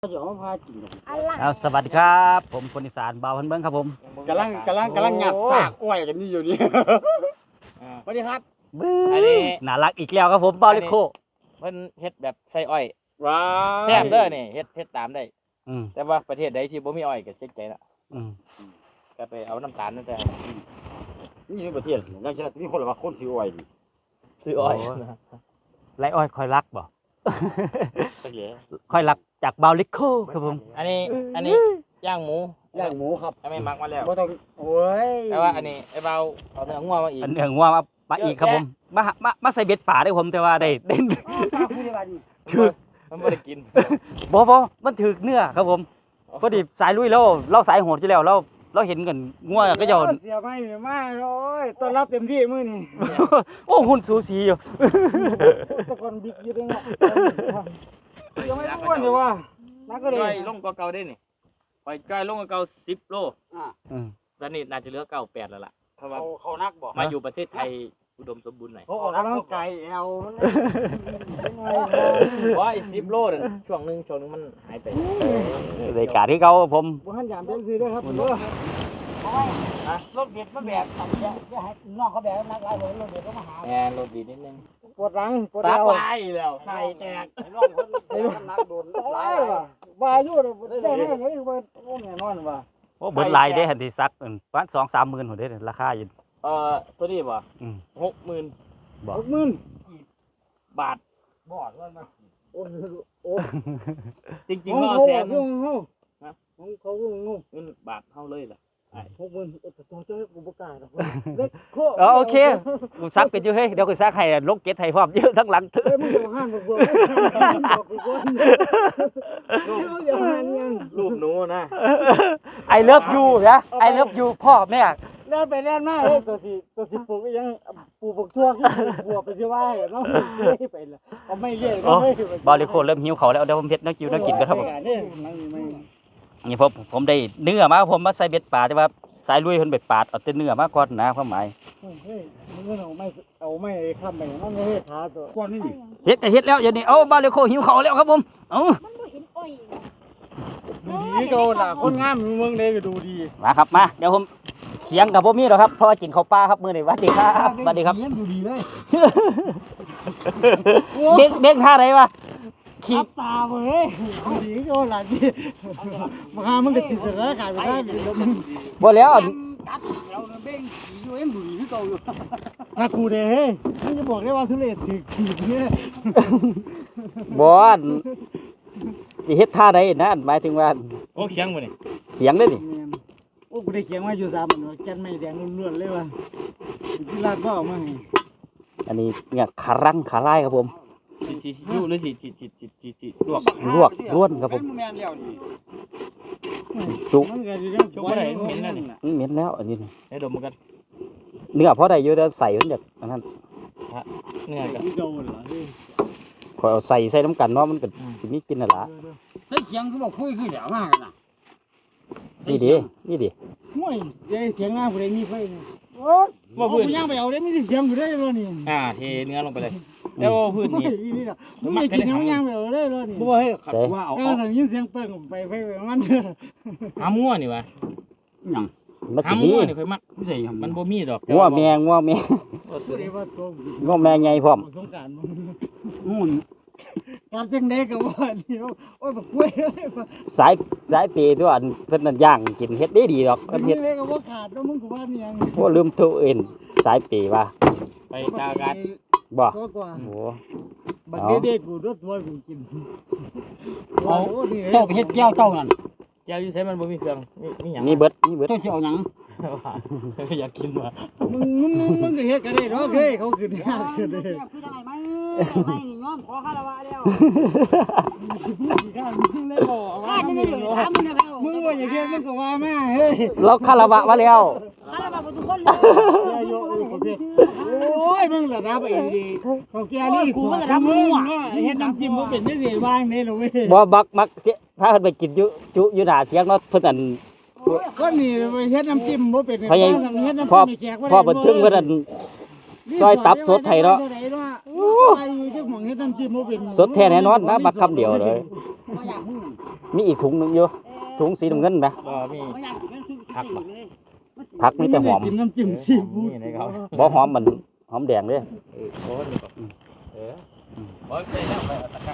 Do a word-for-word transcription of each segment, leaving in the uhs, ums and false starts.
เอาสวัสดีครับผมคนอีสานบ่าวพันเบิ้งครับผมกำลังกำลังกำลังหยัดซากอ้อยกันนี่อยู่นี่สวัสดีครับอันนี้น่ารักอีกแล้วครับผมบ่าวเล็กโคเพิ่นเฮ็ดแบบใส่อ้อยว้าแซ่บเด้อนี่เฮ็ดเฮ็ดตามได้อืมแต่ว่าประเทศใดที่บ่มีอ้อยก็เสียใจละอืมก็ไปเอาน้ำตาลนั่นแต่นี่คือประเทศนั่นใช่มีคนละว่าคนซื้ออ้อยนี่ซื้ออ้อยไรอ้อยคอยรักบ่คอยรักจากบ่าวเล็กโคครับผมอันนี้อันนี้ย่างหมูย่างหมูครับไม่มักมาแล้วบ่ต้องโอ้ยแต่ว่าอันนี้ไอ้เบาเอาเนื้องัวมาอีกเนื้องัวมามาอีกครับผมมามามาใส่เบ็ดป่าได้ผมแต่ว่าได้เด่นถือมันบ่ได้กินบ่บ่มันถือเนื้อครับผมพอดีสายลุยแล้วเราสายโหดอยู่แล้วเราเราเห็นกันงัวก็จะเสียไม่มีมาโอ้ยต้อนรับเต็มที่มื้อนี้โอ้หุ่นสูสีอยู่ตะกอนบิ๊กอยู่ด้วยเนาะยังไม่อ้วนเลยว่ะนักก็เลยลงกว่าเก่าได้นี่ปล่อยจ้อยลงกว่าเก่าสิบโลอ่าอืมตอนนี้น่าจะเหลือเก้าแปดแล้วล่ะเพราะว่าเขานักบ่มาอยู่ประเทศไทยอุดมสมบูรณ์หน่อยเขาออกกำลังกายแอวว่าไอ้สิบโลนั่นช่วงนึงช่วงนึงมันหายไปรายการที่เขาผมบ่ทันยามเต็มที่ด้วยครับเด้อรถเด็ดมาแบกสั่งจะให้น้องเขาแบกนักหลายรถเด็ดก็มาหาแหมรถดีนิดนึงปวดหลังปวดตาเอวตายแล้วไข่แตกน้องคนนักโดนหลายว่ะว่าอยู่ได้ได้ได้ว่าโอ้แน่นอนว่ะโอ้เบิดลายได้หันที่ซักประมาณ สองถึงสามหมื่นหัวได้ราคาอยู่เอ่อตัวนี้บ่อืมหกหมื่นบ่หกหมื่นบาทบ่ว่ามาโอ้โอ้จริงๆก็แสนนึงเฮาฮะของเขางงเงินบาทเฮาเลยล่ะหกหมื่นโอ้ตัวเจ้ากูบ่กล้าดอกเล็กโคโอเคกูซักเป็นอยู่เฮ้ยเดี๋ยวกูซักให้ลงเก็ตให้พร้อมเยอะทั้งหลังเอ้ยมึงอยู่ห้างบ่บ่บอกกูก่อนอย่าหาเงินรูปหนูนะไอเลิฟยูนะไอเลิฟยูพ่อแม่เล่นไปเล่นมาเฮ้ยตัวสิตัวสิปลูกยังปลูกบักทั่วขึ้นบัวไปสิว่าเนาะไปละเอาไม่เรียกก็ไม่บอลลิโคเริ่มหิวเขาแล้วเดี๋ยวผมเฮ็ดนักกิวนักกินกันครับผมนี่ผมผมได้เนื้อมาผมมาใส่เบ็ดป่าแต่ว่าสายลุยเพิ่นเบ็ดป่าเอาแต่เนื้อมาก่อนนะความหมายเฮ้ยมึงเอาไม่เอาไม่ค้ำไปนั่นเฮ้ยขาตัวก่อนนี่เฮ็ดเฮ็ดแล้วอย่างนี้เอ้าบอลลิโคหิวเขาแล้วครับผมเอ้ามันบ่เห็นอ้อยดีเก่าล่ะคนงามเมืองใดก็ดูดีมาครับมาเดี๋ยวผมเขียงกับบ่มีหรอกครับเพราะว่ากินข้าวปลาครับมื้อนี้สวัสดีครับสวัสดีครับดูดีเลยเด็กเด็กท่าไหนวะขีดตาเว้ยดีโอ้ล่ะดิมาหามันก็ติดสถานการณ์ไปได้บ่แล้วกัดแล้วเบ้งขี่อยู่เอ็มดูดีคือเก่าอยู่น่ากูเด้เฮ้ยมึงจะบอกได้ว่าทุเรศถือขีดเนี่ยบ่สิเฮ็ดท่าใดนั่นหมายถึงว่าโอ้เขียงบ่นี่เขียงเด้อนี่โอ้กูได้เขียงไว้อยู่สามอันแก่นไม้แดงล้วนๆเลยว่ะที่ลาดก็เอามาให้อันนี้เนี่ยขารังขาลายครับผมจิจิยู่หรือจิจิจิจิจิจิลวกลวกล้วนครับผมจุมันก็สิจุบ่ได้เหม็นนั่นนี่เหม็นแล้วอันนี้ให้ดมกันเนื้อพอได้อยู่แต่ใส่มันจากอันนั้นเนื้อก็โดนเหรอขอเอาใส่ใส่น้ำกันเนาะมันก็สิมีกินน่ะล่ะใส่เขียงคือบ่คุยคือแล้วมาน่ะนี่ดินี่ดิห่วยเสียงงามบ่ได้มีไฟโอ้ยบ่พื้นย่างไปเอาได้มีเสียงอยู่ได้บ่นี่อ่าเทเนื้อลงไปเลยแล้วพื้นนี่มึงกินน้ำย่างไปเอาได้บ่นี่บ่เฮ้ยว่าเอาเอายินเสียงเปิ้งไปไปมันหามั่วนี่วะหยังมันสิมีนี่ค่อยมักมันบ่มีดอกงัวแมงงัวแมงงัวแมงใหญ่พร้อมสงกรานต์นู่นการจังได๋ก็ว่านี่โอ้ยบักกล้วยสายสายปีตัวอันเพิ่นนั่นย่างกินเฮ็ดได้ดีดอกเฮ็ดก็บ่ขาดเนาะมึงก็ว่านี่ยังโอ้ลืมตัวเองสายปีว่าไปตากันบ่โอ้โหบักเด็กๆกูรถตัวกูกินเอาเจ้าไปเฮ็ดแก้วเจ้านั่นแก้วอยู่ไสมันบ่มีเครื่องมีหยังมีเบิดมีเบิดเจ้าสิเอาหยังอยากกินว่ะมึงมึงมึงก็เฮ็ดกันได้ดอกเฮ้ยเขาขึ้นยากขึ้นเด้คือได้มั้ยได้นี่ยอมขอคารวะแล้วข้ามึงเลยบ่ว่ามึงนี่ถามมึงนะครับมึงว่าอย่างเงี้ยมึงก็ว่ามาเฮ้ยเราคารวะมาแล้วคารวะบ่ทุกคนเลยโอ้ยมึงระดับเองดีเขาแก่นี่กูระดับมึงเฮ็ดน้ำจิ้มบ่เป็นจังซี่ว่างนี่ล่ะเว้ยบ่บักมักพาเพิ่นไปกินอยู่จุอยู่หน้าเถียงเนาะเพิ่นอันก็นี่เฮ็ดน้ำจิ้มบ่เป็นเฮ็ดน้ำจิ้มพ่อพ่อเพิ่นถึงเพิ่นอันซอยตับสดให้เนาะสดแท้แน่นอนนะบักคำเดียวเลยบ่อยากมึงมีอีกถุงหนึงอยู่ถุงสีน้ำเงินไหมบ่มีบ่อยากกินมันซื้อกินเลยผักมีแต่หอมกินน้ำจิ้มซีฟู้ดนี่นะครับบ่หอมมันหอมแดงเด้เออโอ้นี่ก็เออบ่ใช่แล้วไปเอาตะกร้า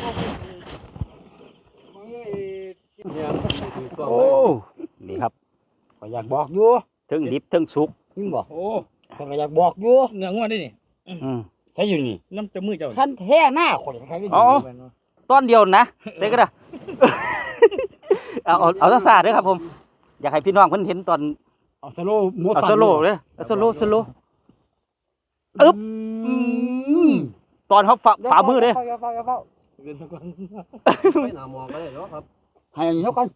โอ้นี่ครับก็อยากบอกอยู่ถึงดิบถึงสุกยิ่งบอกโอ้ก็อยากบอกอยู่เนื้องวดนี่นี่อืมใช่อยู่นี่น้ำจะมือเจ้าท่านแท้หน้าคนใครก็อยู่อ๋อ ตอนเดียวนะใส่ก็ได้ เอาเอาเอาซะๆเด้อครับผม อยากให้พี่น้องเพิ่นเห็นตอนเอาสโลโมเอาสันสโลว์เด้อเอาสโลว์สโลว์ อึ๊บอืมตอนเขาฝ่าฝ่ามือเด้ออย่าเฝ้าอย่าเฝ้าเกินทุกคนไปหน้ามองก็ได้เนาะครับให้อันนี้ก่อน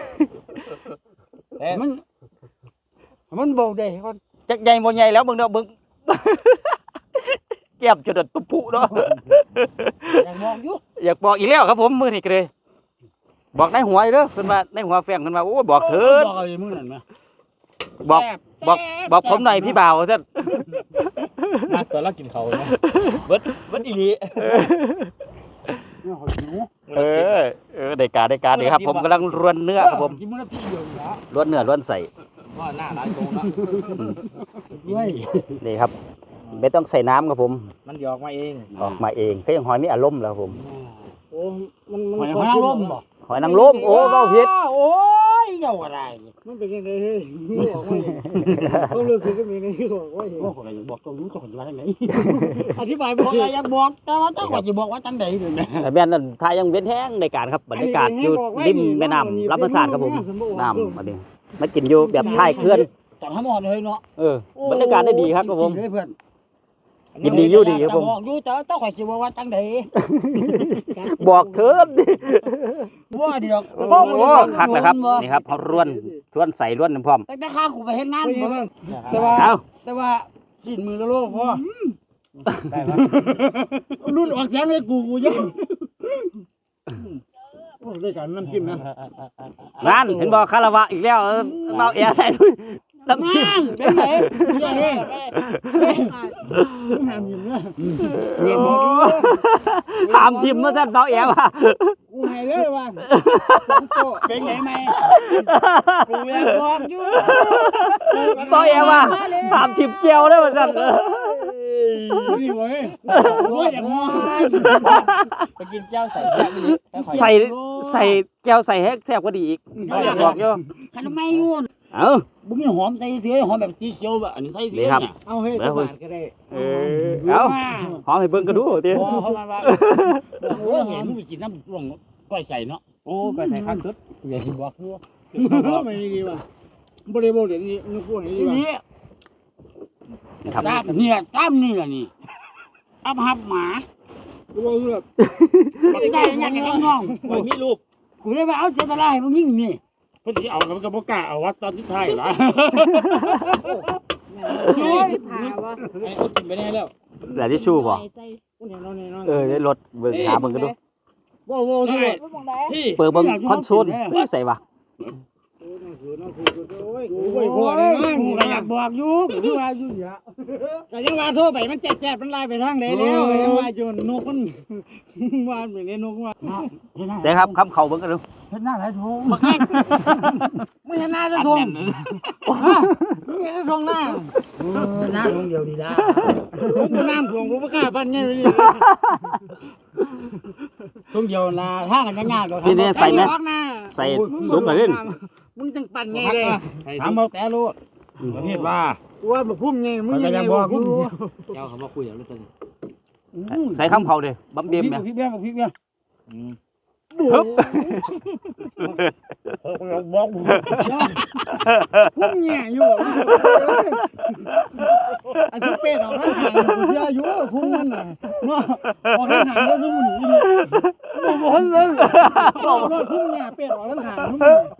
แต่มันมันบอกได้ก่อนจักใหญ่บ่ใหญ่แล้วเบิ่งเด้อเบิ่ง แก้มจนตุ๊บพุเนาะอยากบอกอยู่อยากบอกอีกแล้วครับผมมื้อนี้ก็เลย บอกในหัวเด้อเพิ่นว่าในหัวแฟงเพิ่นว่าโอ้ยบอกเถิดบอกอะไรมื้อนั้นนะบอกบอกบอกผมหน่อยพี่บ่าวซั่นมาตัวเรากินเขาเนาะเบิดเบิดอีหลีเนี่ยหอยหนูเออเออได้การได้การนี่ครับ ผมกำลังรวนเนื้อครับผมกินมื้อละทีเดียวอยู่แล้วรวนเนื้อรวนใส่ว่าหน้าร้านโกงเนาะด้วยนี่ครับ ไม่ต้องใส่น้ำครับผมมันหยอกมาเองออกมาเองก็ยังหอยมีอารมณ์แล้วครับผมโอ้มันมันหอยนางรมบ่หอยนางรมโอ้เว้าผิดโอ้ยเจ้าอะไรมันเป็นยังไงเฮ้ยบอกว่าต้องเลือกคือก็มีในที่บอกว่าเห็นบอกอะไรบอกตรงนู้นตรงนี้ว่าไหนอธิบายบอกอะไรอยากบอกแต่ว่าต้องว่าจะบอกว่าจังใดเลยนะแต่แม่นนั่นทายยังเว้นแห้งในการครับบรรยากาศอยู่ริมแม่น้ำลำพะสานครับผมน้ำอันนี้มากินอยู่แบบท้ายเขื่อนตอนทั้งหมดเลยเนาะเออบรรยากาศได้ดีครับครับผมเพื่อนกินดีอยู่ดีครับผมบอกอยู่แต่ต้องว่าจะบอกว่าจังใดบอกเถิดว่าเดียวโอ้โหคักเลยครับนี่ครับเขาร่วนร่วนใส่ร่วนน้ำพร้อมแต่แต่ข้ากูไปเห็นงานแต่ว่าเอาแต่ว่าสิ้นมือละโลกพ่อได้ปะรุ่นออกเสียงเลยกูกูยังโอ้ได้การน้ำจิ้มนะนั่นเห็นบอกคาราวะอีกแล้วเออเมาแอร์ใส่ด้วยน้ำจิ้มเป็นไหนยังไงห้ามยิ้มนะโอ้หามจิ้มมาแซ่บเมาแอร์ว่ะกูให้เลยว่าสองโตเป็นไงไหมกูอยากบอกอยู่เมาแอร์ว่ะหามจิ้มเจียวได้มาสั่นนี่เว้ยกูอยากมองไปกินเจ้าใส่แซ่บอีหลีใส่ใส่แก้วใส่ให้แซ่บกว่าดีอีกอยากบอกอยู่ขนมไม่ยุ่นเอ้าบุ้มีหอมใส่เสียหอมแบบสีเขียวแบบอันนี้ใส่เสีนี่ยครับเอาให้ตะบานก็ได้เออเอาหอมให้เบิ่งกันดูติพอเขามาว่าโอ้เห็นมึงไปกินน้ำร่วงก้อยใส่เนาะโอ้ก็ใส่ข้างสุดอย่าสิบอกคือไม่ดีว่ะบริโภคเดี๋ยวนี้นึกพูดอย่างนี้นะครับตามเนี่ยตามนี่แหละนี่อับหับหมากูว่าแบบไม่ได้อยากจะน้องโอ้ยมีรูปกูเลยว่าเอาเจตนาให้มึงยิ่งนี่เพิ่นสิเอากับกับบ่กล้าเอาวัดตอนที่ท้ายล่ะโอ้ยผ่าวะไอ้เขากินไปแน่แล้วแต่ที่ชูบ่ใจเออได้รถเบิ่งหาเบิ่งกันดูว้าวๆที่บ่มองได้พี่เปิดเบิ่งคอนโซลอุ้ยใส่ว่ะกูบ่พอได้มั้งกูก็อยากบอกอยู่กูว่าอยู่อย่าก็ยังว่าโทรไปมันแจ๊บๆมันไล่ไปทางใดแล้วยังว่าอยู่นกมันว่าไปในนกว่าแต่ครับคำเขาเบิ่งกันดูเห็นหน้าไหลทงบักแอ๊กมึงเห็นหน้าจะทงมึงเห็นจะทงหน้าเออหน้าทงเดียวดีละกูน้ำทงกูบ่กล้าปั้นไงไปนี่ทงเดียวละถ้ากันยากๆดอกนี่นี่ใส่ไหมออกหน้าใส่ซุปหน่อยดิมึงจังปั่นไงเลยถามเอาแต่รู้ประเทศว่าว่าบ่พุ่มไงมึงยังไงบอกกูเจ้าเขามาคุยอย่างนี้ตอนนี้ใส่คำเขาดิบัมเบียมพริเนี่ยกพริกเบี้ยพริกเบี้ยอืมฮึบบอกพุ่มเนี่ยอยู่อันที่เป็ดออกทางหางกูเชื่ออยู่พุ่มมันน่ะเนาะออกทางหางแล้วซุ่มหนีนี่บ่บ่เห็นเลยบอกรถพุ่มเนี่ยเป็ดออกทางหางซุ่ม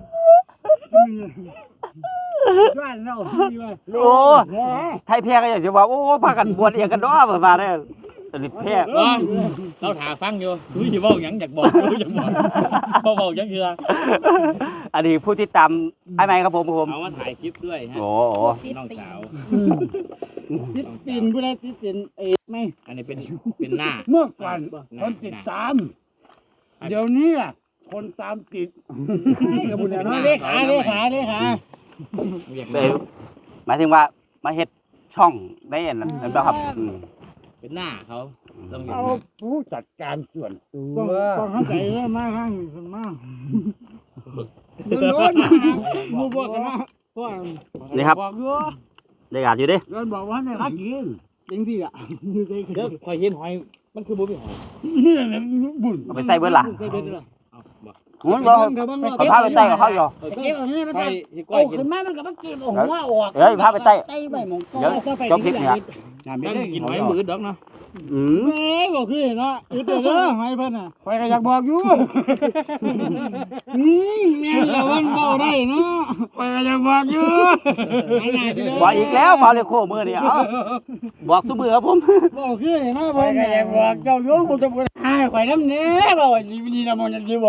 บ้านเราที่ว่าโอ้ไทยแพ้ก็อยากจะว่าโอ้พากันบวชเองกันเนาะประมาณนี้ตลิดแพ้ว่าเราถาฟังอยู่รู้สิเว้าหยังอยากบอกรู้อยากบอกบ่เว้าหยังคืออันนี้ผู้ที่ตามไอ้ไม้ครับผมผมเอามาถ่ายคลิปด้วยฮะโอ้น้องสาวติดตีนผู้ใดติดตีนเอ๊ะไม่อันนี้เป็นเป็นหน้าเมื่อก่อนคนติดตาม เดี๋ยวนี้อ่ะคนตามติดกับบุญนะเลขาเลขาเลขาไปหมายถึงว่ามาเฮ็ดช่องได้อันนั้นนั่นบ่ครับอืมเป็นหน้าเขาต้องเห็นเอาหน้าผู้จัดการส่วนตัวต้องเข้าใจเลยมากข้างส่วนมากโดนมูบอกกันนะว่านี่ครับบอกอยู่ได้กาดอยู่เด้โดนบอกว่าเนี่ยเขากินจริงที่อ่ะอยู่ในเดี๋ยวคอยเห็นหอยมันคือบ่มีหอยนี่แหละบุญเอาไปใส่เบิดล่ะใส่เบิดล่ะเอาบ่โอ้ยบ่เขาพาไปใต้กับเขาอยู่เก็บเอาให้มันคอใส่ยสิก้โอ้อยกินขึ้นมามันก็มาเก็บเอาหัวออกเดี๋ยวพาไปใต้ใส่ใบหมองเดี๋ยวจบคลิปเนี่ยนั่นกินหอยมือดอกเนาะอืมเอ้ยบอกคือเนาะอึดเด้อให้เพิ่นน่ะข่อยก็อยากบอกอยู่อืมแม่นแล้วมันเว้าได้เนาะข่อยก็อยากบอกอยู่บอกอีกแล้วมาเลยโคมือนี่เอาบอกซุมือครับผมบอกคือเนาะเพิ่นก็อยากบอกเจ้าอยู่บ่ต้องให้ข่อยนำแน่บ่ว่าสิดีนำมันสิบอก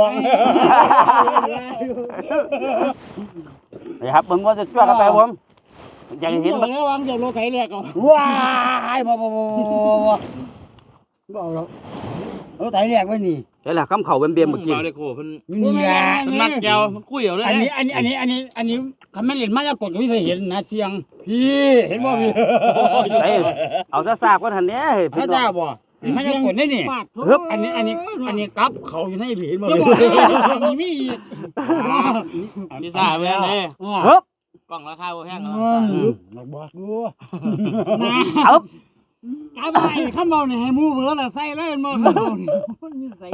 นี่ครับเบิ่งว่าจะช่วยกันไปครับผมอยากเห็นบ่วางเดี๋ยวรถไถแรกเอาว้ายบ่บ่บ่บ่บ่เอาแล้วรถไถแรกไว้นี่เดี๋ยวแหละคำเข่าเบียมๆเมื่อกี้เบาเลยโคเพิ่นนี่แหละเพิ่นมักแก้วมันคุยเอาเลยอันนี้อันนี้อันนี้อันนี้อันนี้คำแม่นเล่นมายากลก็ไม่เคยเห็นนะเสียงพี่เห็นบ่พี่เอ้ยเอาซะซากว่าทันเนี้ยเฮ้ยพระเจ้าบ่มายากลนี่นี่ฮึบอันนี้อันนี้อันนี้กับเขาอยู่ในพี่เห็นบ่พี่มีมีอีกพี่ซ่าเว้ยเด้ฮึบกล่องราคาบ่แพงอืเนาะมบอกดูนะฮึบกาบไปคำเบานี่ให้หมู่เบื่อละใส่เลยบ่คำเบานี่มันมีใส่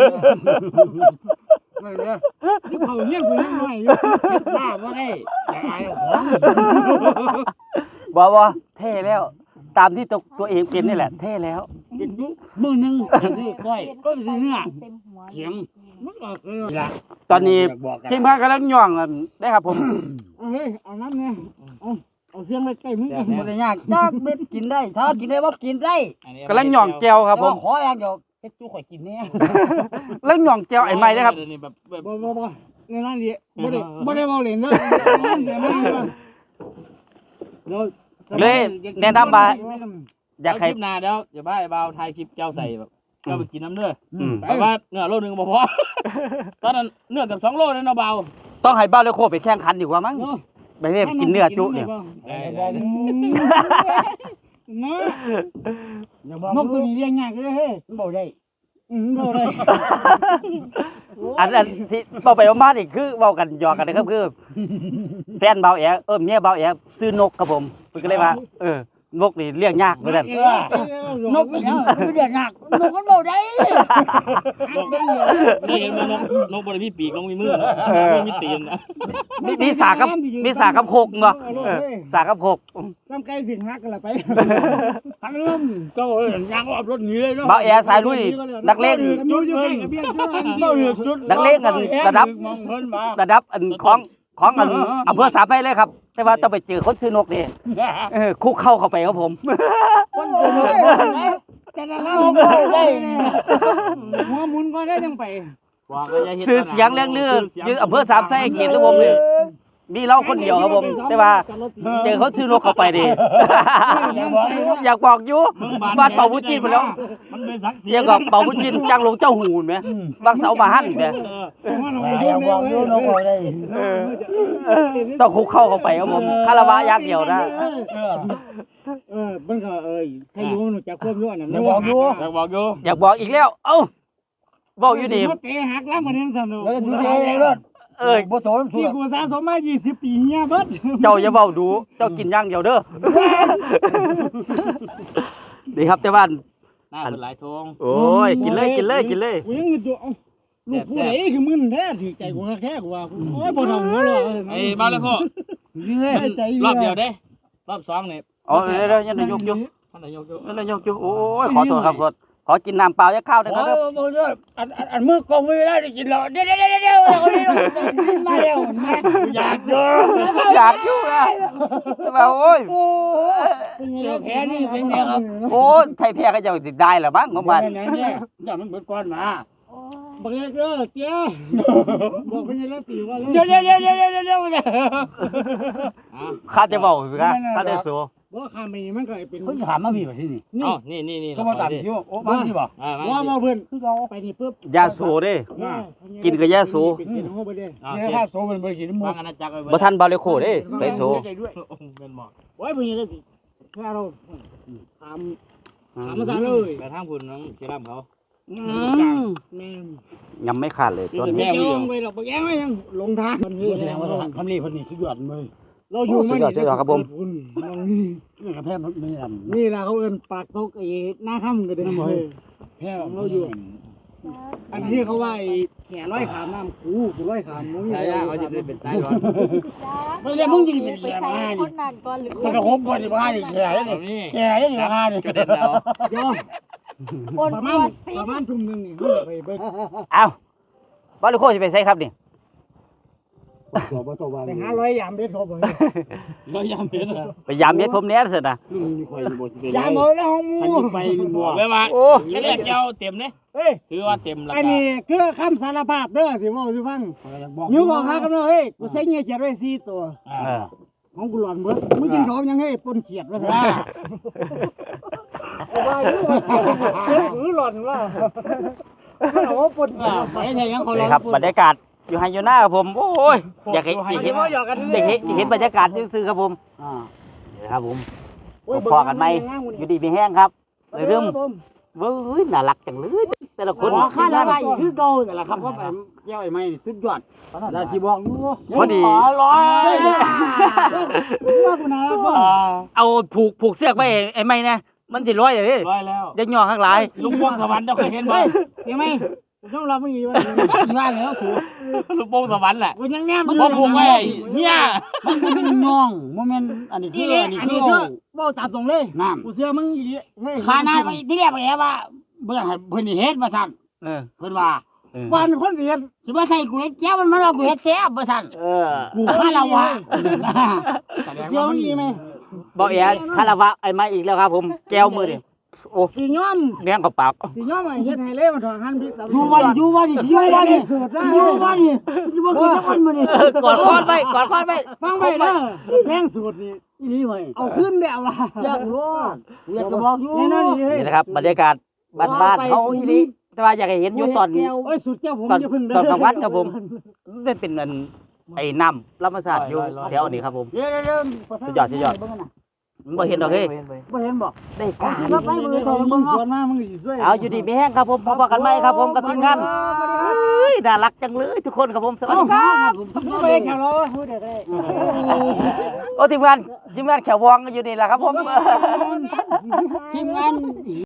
ไม่เด้อเขาเฮียนกูยังน้อยอยู่หน้าบ่ได้แต่อายของบอกว่าเท่แล้ว ตามที่ตัวตัวเองเป็นนี่แหละ เท่แล้วกินอยู่มื้อนึงนี่ก้อยก็สิเนื้อเต็มหัวเขียงมันก็คือละตอนนี้ทีมงานกำลังย่องกันได้ครับผมเฮ้ยเอาน้ำเนี่ยเอาเอาเสียงไปใกล้มึงบ่ได้ยากจักเม็ดกินได้ถ้ากินได้บ่กินได้กำลังย่องแจวครับผมขออย่างเดียวเฮ็ดจู้ข่อยกินแน่กำลังย่องแจวไอ้ไม้นะครับนี่แบบแบบบ่บ่บ่ในนั้นดิบ่ได้บ่ได้เว้าเล่นเด้อนั่นเสียมาเดี๋ยวเลยแนะนำมาอยากคให้ลิปหน้าเดี๋ยวอย่าบ้าไอ้บ่าวถ่ายคลิปแก้วใส่แบบแก้วไปกินน้ำเด้ออืมแปลว่าเนื้อโลนึงบ่พอตอนนั้นเนื้อกับสองโลเลยเนาะบ่าวต้องให้บ้าเลยโคไปแข่งขันดีกว่ามั้งไปเรียกินเนื้อจุเนี่ยนะนกตัวนี้เลี้ยงยากเลยเฮ้ยบ่ได้อืมบ่ได้อันนั้นที่เบาไปมาอีกคือเบากันหยอกกันนะครับคือ แฟนเบาแอเออเมียเบาแอซื้อนกครับผมเพิ่นก็เลยว่าเออนกนี่เลี้ยงยากเหมือนกันนกเนี่ยคือเลี้ยงยากนกมันบ่ได้ได้เห็นมันนกนกบ่ได้มีปีกนกมีมือนะไม่มีตีนนะมีมีสากกับมีสากกับโคกเนาะเออสากกับโคกน้ำไก่สิงหักกันละไปหันเริ่มเจ้าเอ้ยยางออกรถหนีเลยเนาะเบาแอสายลุยนักเลงจุดเพิ่นเบ้าเหือกจุดนักเลงกันระดับมองเพิ่นมาระดับอันของของอันอำเภอสามไผ่เลยครับ แต่ว่าต้องไปเจอคนซื้อนกนี่เออคุกเข้าเข้าไปครับผมคนเจอนกบ่ได้แต่ละเราบ่ได้หัวหมุนก็ได้จังไปซื้อเสียงเรื่องลือยืนอำเภอสามไผ่เขตของผมเลยมีเราคนเดียวครับผม แต่ว่าเจอเขาซื้อนกเข้าไปดิ อยากบอกอยู่บ้านเป่าบุญจินหมดแล้วมันเป็นศักดิ์ศรีเรียกว่าเป่าบุญจินจังหลงเจ้าหูนไหมบางเสาบาหันไหมอย่าบอกอยู่นกบ่ได้เออต้องคุกเข้าเข้าไปครับผมคาราวะยักษ์เดียวนะเออมันก็เอ้ยถ้าอยู่มันจักควบอยู่อันนั้นบอกอยู่อยากบอกอยู่อยากบอกอีกแล้ว เอ้าบอกอยู่นี่เตะหักล้างมันยังสนุกแล้วจะซื้อเองรถเอ้ยบ่สนสุที่ดกูสะสมมายี่สิบปีเนี่ยเบิดเจ้าอย่าเบาดู เจ้ากินอย่างเดียวเด้อ นี่ครับแต่ว่าหน้าเป็นหลายทงโอ้ยกินเลยกินเลยกินเลยกูยังมึนอยู่ลูกผู้ใดคือมึนแท้ถือใจกูแท้กูว่าโอ้ยบ่ทำหัวหรอกไอ้บ้าเลยพ่อนี่ไงใจรอบเดียวเด้รอบสองเนี่ยอ๋อเดี๋ยวเดี๋ยวยันนายกอยู่ท่านนายกอยู่ยันนายกอยู่โอ้ยขอโทษครับขอขอกินน้ำเปล่าจะข้าวได้โอ้นะยครับบ่เด้ออันอันอันมือกองไม่ได้ได้กินแล้วเดี๋ยวเดี๋ยวเดี๋ยวเดี๋ยวคนนี้มาแล้วมาอยากเจออยากอยู่นะว่าโอ้ยโอ้เจอแพ้นี่เป็นไงครับโอ้ยไทยแพ้ก็จะได้หรือมั้งของบ้านเนี่ยเนี่ยอย่ามันเบิดก้อนมาบักเล็กเด้อเตี้ยบอกเพิ่นแล้วตีว่าเดี๋ยวเดี๋ยวเดี๋ยวเดี๋ยวเดี๋ยวเดี๋ยวข้าจะบอกสิครับข้าจะสู้บว่าข้ามไปมันก็เป็นเพิ่นถามมาพี่ว่าที่นี่เอ้านี่นี่นี่ก็มาตัดคิวโอ้มาสิบ่อ่ามาว่ามาเพื่อนคือเราไปนี่ปุ๊บยาสูเด้ กินกับยาสูเป็นกินของเขาไปเด้อ่านี่ภาพโซมันบ่ได้กินหมฟัดงอาณาจักรไปบ่ทันบาเลโคเด้ไปโซเป็นหมอกโอ้ยเพื่อนก็สิแค่เราถามถามมาซะเลยกระทั่งคุณน้องเจรัมเขาแม่ยังไม่ขาดเลยต้นไม่นี้ยอมไปหรอกไปแย่งไว้ยังลงทางมันแสดงว่าทำนี่เพิ่นนี่คือยอดเลยเราอยู่มันนี่นี่นี่กระแพงมันไม่ลำนี่ล่ะเขาเอิ้นปากตกไอ้หน้าค่ำกันเด้อแพ้เราอยู่อันนี้เขาว่าไอ้แก่ร้อยขามน้ำกูกูร้อยขามมึงใช่ย่าเขาจะได้เป็นตายก่อนไม่ได้มึงยิงเป็นแฉมาคนี่นนั้นก่อนหรือมันก็ครบบ่นี่บ่นี่แฉได้นี่นี่แฉได้นี่มานี่กระเด็นแล้วยอคนประตัมาณวซิประมาณทุ่มนึงนี่ไปเบิ่งเอ้าบาเลโคสิไปไสครับนี่ตัวบ่ตัวว่าไปหาร้อยยามเบ็ดเขาบ่ร้อยยามเพชรไปยามเม็ดผมแหน่ซั่นน่ะลุงนี่ข่อยบ่สิไปยามเอาแล้วห้องมูคันสิไปนี่บ่บอกเลยว่าโอ้นี่แหละเจ้าเต็มเลยเอ้ยถือว่าเต็มแล้วอันนี้คือคำสารภาพเด้อสิเว้าสิฟังอยู่บอกหากันเด้อเฮ้ยกูใส่เงี้ยเสียดไว้สี่ตัวเออของกูหลอนเบิดมึงกินของยังให้ปนเขียดว่าซั่นว่าอยู่ว่าหือหลอนว่าเอาปนเขียดไปแท้ยังเขานี่ครับบรรยากาศอยู่ไฮยูน่าครับผมโอ้ยอยากเห็นอยากเห็นอยากเห็นอยากเห็นบรรยากาศซื่อๆครับผมอ่านี่ครับผมพอกันไหมอยู่ดีมีแห้งครับเลยเริ่มเว้ยน่ารักจังเลยแต่ละคนขอค่าละบาทคือเก่านั่นแหละครับว่าแบบเจ้าไอ้ไม้สุดยอดแล้วสิบอกอยู่พอดีขอร้อยว่ากูน่ารักบ่เอาผูกผูกเสือกไว้ไอ้ไม่นะมันสิร้อยเลยร้อยแล้วยักย่อข้างหลายลุงวงสวรรค์เจ้าเคยเห็นบ่เห็นไหมกูต้องรับมึงอีกว่าว่าแล้วถูกลุงวงสวรรค์แหละกูยังแนมพอผูกไว้เฮียมันเป็นย่องบ่แม่นอันนี้คืนี่อนี่อันนี้อันคือนี้เด้อบ่ตามตรงเลยน้ำกูเชื่อมึงอีกเฮ้ยขนาดไปที่แรกไปแอบว่าบ่อยากให้เพิ่นนี่เฮ็ดว่าซั่นเออเพิ่นว่าเออวันคนเสียสิบ่ใส่กูเฮ็ดแก้วมันมาว่ากูเฮ็ดแซ่บว่าซั่นเออกูคาละวะแสดงเชื่อว่ามึมันงอีกไหมบอกเอ๋คาราวะไอ้มาอีกแล้วครับผมแก้วมือดิโอ้สีย้อมแม่งกับปากสีย้อมไอ้เฮ็ดให้เล่มันถอดหันพิษอยู่บ้านอยู่บ้านนี่อยู่บ้านนี่อยู่บ้านนี่อยู่บ่กินน้ำมันมื้อนี่เออกอดคอนไปกอดคอนไปฟังไปเด้อแม่งสูตรนี่อีนี่เว้ยเอาขึ้นได้เอาล่ะแซ่บโลดกูอยากจะบอกอยู่แน่นอนนี่เฮ้ยนี่นะครับบรรยากาศบ้านๆเขาอีนี้แต่ว่าอยากให้เห็นอยู่ตอนโอ้ยสุดแก้วผมตอนอย่าพึ่งเด้ตอนกลางวันครับผมมันเป็นอันไอ้น้ำลำธรรมชาติอยู่แถวนี้ครับผมเดี๋ยวๆสุดยอดสุดยอด มันบ่เห็นดอกเฮ้ยบ่เห็นบ่ได้การมาไปมือสสออง งมึมึงงสวนมามึงสิช่วยเอาอยู่ดีมีแห้งครับผมพบกันไหมครับผมกับทีมงานเฮ้ยน่ารักจังเลยทุกคนครับผมสวัสดีครับไม่ได้แข่งเราพูดได้ได้โอ้ทีมงานทีมงานแขววองก็อยู่นี่แหละครับผมทีมงาน